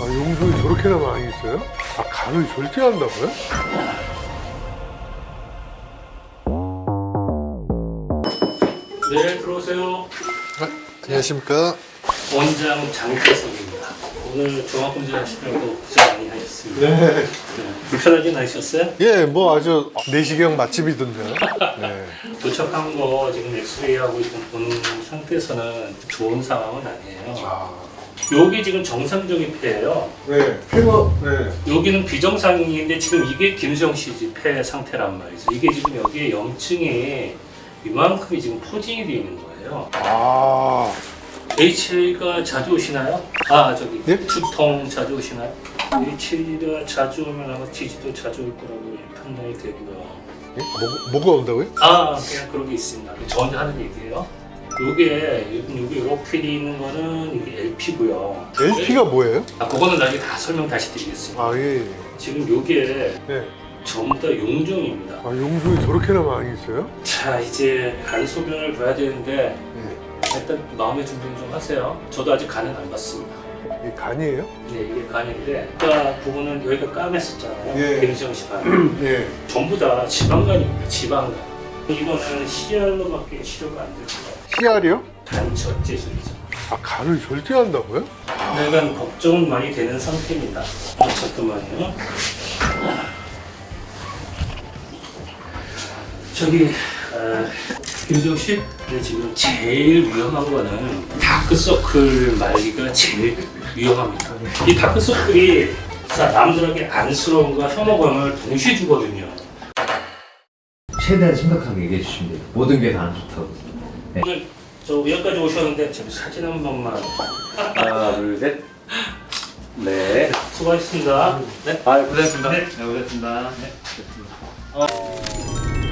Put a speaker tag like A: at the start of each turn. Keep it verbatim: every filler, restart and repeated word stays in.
A: 아, 용종이 저렇게나 많이 있어요? 아, 간을 절제한다고요?
B: 네, 들어오세요.
A: 아, 안녕하십니까?
B: 원장 장태성입니다. 오늘 종합검진 하시려고 고생 많이 하셨습니다.
A: 네.
B: 네, 불편하진 않으셨어요?
A: 예, 뭐 아주 내시경 맛집이던데요. 네.
B: 도착한 거 지금 엑스레이하고 지금 보는 상태에서는 좋은 상황은 아니에요.
A: 아,
B: 여기 지금 정상적인 폐예요.
A: 네. 폐가, 네.
B: 여기는 비정상인데 지금 이게 김수영 씨 집 폐 상태란 말이죠. 이게 지금 여기에 염증이 이만큼이 지금 포진이 되어 있는 거예요.
A: 아,
B: 에이치에이가 자주 오시나요? 아 저기
A: 예?
B: 두통 자주 오시나요? 에이치에이가 자주 오면 아마 지지도 자주 올 거라고 판단이 되고요.
A: 예? 뭐, 뭐가 온다고요?
B: 아 그냥 그런 게 있습니다. 저 혼자 하는 얘기예요. 요게 요게 이렇게 돼 있는 거는 이게 엘피고요.
A: 엘피가 뭐예요?
B: 아 그거는 나중에 다 설명 다시 드리겠습니다.
A: 아, 예.
B: 지금 요게
A: 네.
B: 전부 다 용종입니다.
A: 아, 용종이 저렇게나 많이 있어요?
B: 자 이제 간 소변을 봐야 되는데
A: 네.
B: 일단 마음의 준비는 좀 하세요. 저도 아직 간은 안 봤습니다.
A: 이게 간이에요?
B: 네, 이게 간인데 아까 부분은 여기가 까맸었잖아요.
A: 예.
B: 김수영 씨 간.
A: 예.
B: 전부 다 지방간입니다. 지방간. 이거는 씨알로밖에 치료가 안 됩니다.
A: 씨알이요?
B: 간 절제술이죠.
A: 아, 간을 절제한다고요?
B: 약간 걱정은 많이 되는 상태입니다. 아, 잠깐만요. 저기 아, 김수영 씨, 근데 지금 제일 위험한 거는 다크서클 말기가 제일 위험합니다. 이 다크서클이 자, 남들에게 안쓰러움과 혐오감을 동시에 주거든요.
C: 최대한 심각하게 얘기해 주시면 돼요. 모든 게 다 안 좋다고.
B: 오늘 저 여기까지 오셨는데 지금 사진 한 번만.
C: 하나, 둘, 셋. 네.
B: 수고하셨습니다. 네.
C: 아, 고생했습니다.
B: 네.
C: 네, 고생했습니다. 네.
B: 어.